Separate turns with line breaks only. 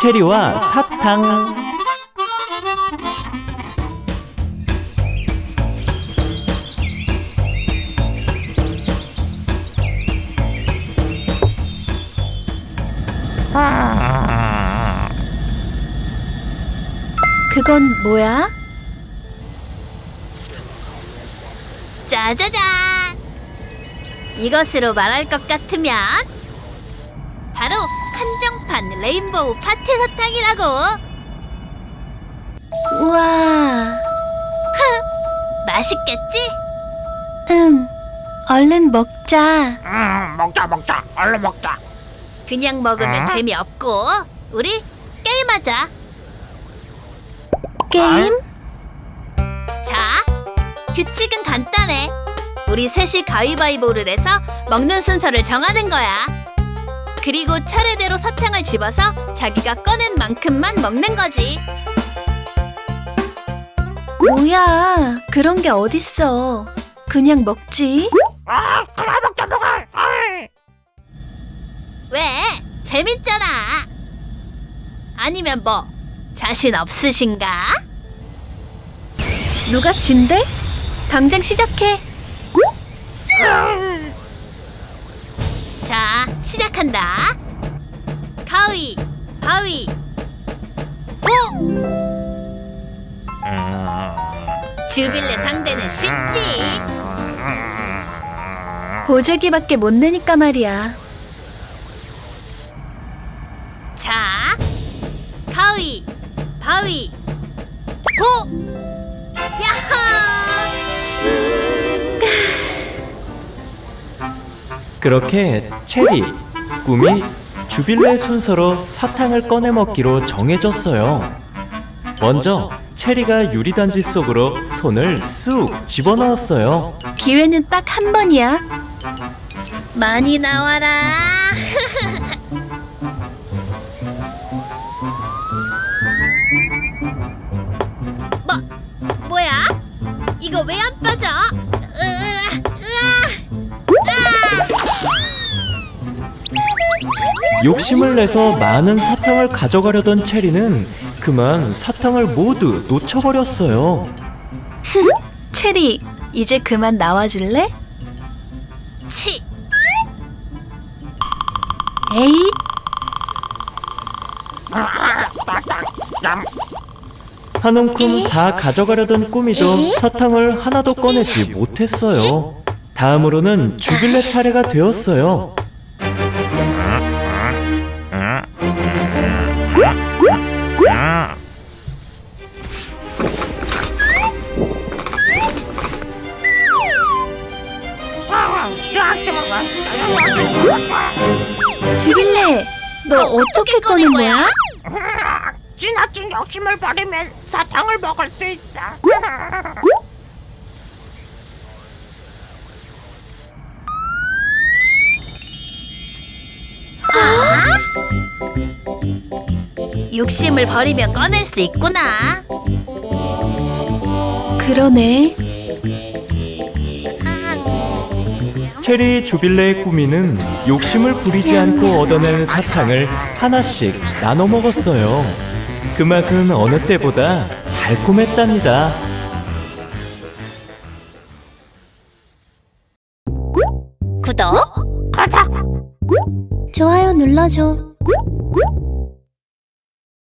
체리와 사탕.
그건 뭐야?
짜자잔! 이것으로 말할 것 같으면 바로 한정판 레인보우 파티 사탕이라고!
우와.
맛있겠지?
응. 얼른 먹자.
먹자. 얼른 먹자.
그냥 먹으면 재미없고 우리 게임하자.
게임?
자, 규칙은 간단해. 우리 셋이 가위바위보를 해서 먹는 순서를 정하는 거야. 그리고 차례대로 사탕을 집어서 자기가 꺼낸 만큼만 먹는 거지.
뭐야? 그런 게 어딨어. 그냥 먹지.
그래 먹자.
왜? 재밌잖아. 아니면 뭐 자신 없으신가?
누가 진대? 당장 시작해.
자, 시작한다. 가위, 바위, 보! 주빌레 상대는 쉽지.
보재기밖에 못 내니까 말이야.
자, 가위, 바위, 보! 야호!
그렇게 체리, 꿈이 주빌레 순서로 사탕을 꺼내 먹기로 정해졌어요. 먼저 체리가 유리단지 속으로 손을 쑥 집어넣었어요.
기회는 딱 한 번이야.
많이 나와라. 뭐야? 이거 왜 안 빠져?
욕심을 내서 많은 사탕을 가져가려던 체리는 그만 사탕을 모두 놓쳐버렸어요.
체리, 이제 그만 나와줄래?
치.
에잇.
한 움큼 다 가져가려던 꾸미도 사탕을 하나도 꺼내지 못했어요. 다음으로는 주빌레 차례가 되었어요.
주빌레, 너 어떻게 꺼낸 거야?
지나친 욕심을 버리면 사탕을 먹을 수 있어.
욕심을 버리면 꺼낼 수 있구나.
그러네.
체리 주빌레의 꾸미는 욕심을 부리지 않고 얻어낸 사탕을 하나씩 나눠 먹었어요. 그 맛은 어느 때보다 달콤했답니다.
구독,
좋아요 눌러줘.